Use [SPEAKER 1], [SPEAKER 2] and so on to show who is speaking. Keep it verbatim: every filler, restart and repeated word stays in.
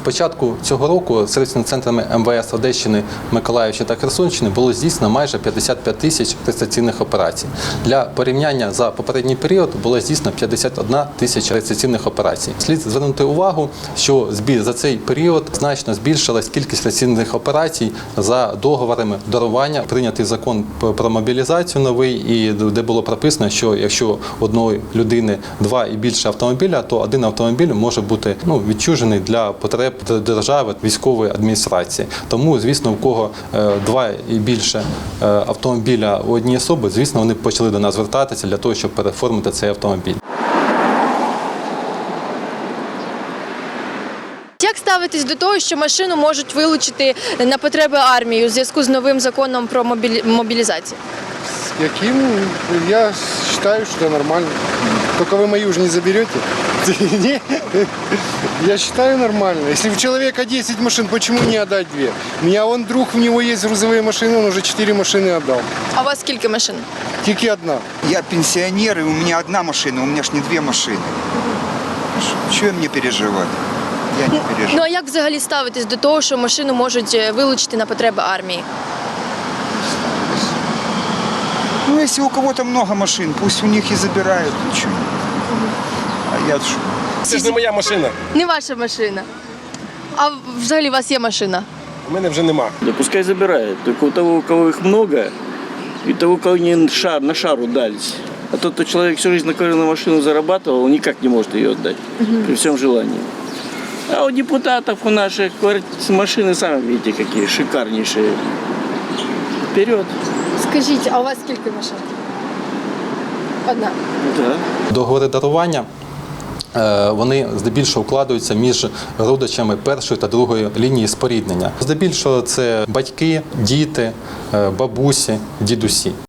[SPEAKER 1] початку цього року сервісними центрами Ем Ве Ес Одещини, Миколаївщини та Херсонщини було здійснено майже п'ятдесят п'ять тисяч реєстраційних операцій. Для порівняння за попередній період було здійснено п'ятдесят одна тисяча реєстраційних операцій. Слід звернути увагу, що за цей період значно збільшилась кількість реєстраційних операцій за договорами дарування. Прийнятий закон про мобілізацію новий, і де було прописано, що якщо одної людини два і більше автомобіля, то один автомобіль може бути ну, відчужений для потреб держави, військової адміністрації. Тому, звісно, у кого е, два і більше е, автомобіля у одній особи, звісно, вони почали до нас звертатися для того, щоб переформити цей автомобіль.
[SPEAKER 2] Як ставитесь до того, що машину можуть вилучити на потреби армії у зв'язку з новим законом про мобілі... мобілізацію?
[SPEAKER 3] Каким? Я считаю, что это нормально. Только вы мою уже не заберете. Я считаю нормально. Если у человека десять машин, почему не отдать две? У меня вон друг, у него есть грузовые машины, он уже четыре машины отдал.
[SPEAKER 2] А у вас скільки машин?
[SPEAKER 3] Тільки одна.
[SPEAKER 4] Я пенсионер, и у меня одна машина, у меня ж не две машины. Чего мне переживать? Я не переживаю.
[SPEAKER 2] Ну а як взагалі ставитесь до того, що машину можуть вилучити на потреби армії?
[SPEAKER 4] Ну, если у кого-то много машин, пусть у них и забирают. Ничего. А я что?
[SPEAKER 5] Це ж не моя машина.
[SPEAKER 2] Не ваша машина. А взагалі у вас є машина?
[SPEAKER 5] У мене вже нема.
[SPEAKER 6] Да пускай забирают. Только у того, у кого их много, и того, у кого не шар, на шару дались. А тот, кто человек всю жизнь на на машину зарабатывал, он никак не может ее отдать. Угу. При всем желании. А у депутатов, у наших машины, сами видите, какие шикарнейшие. Вперед.
[SPEAKER 2] Скажіть, а у вас скільки машин? Одна.
[SPEAKER 6] Да.
[SPEAKER 1] Договори дарування е, вони здебільшого укладаються між родичами першої та другої лінії споріднення. Здебільшого це батьки, діти, е, бабусі, дідусі.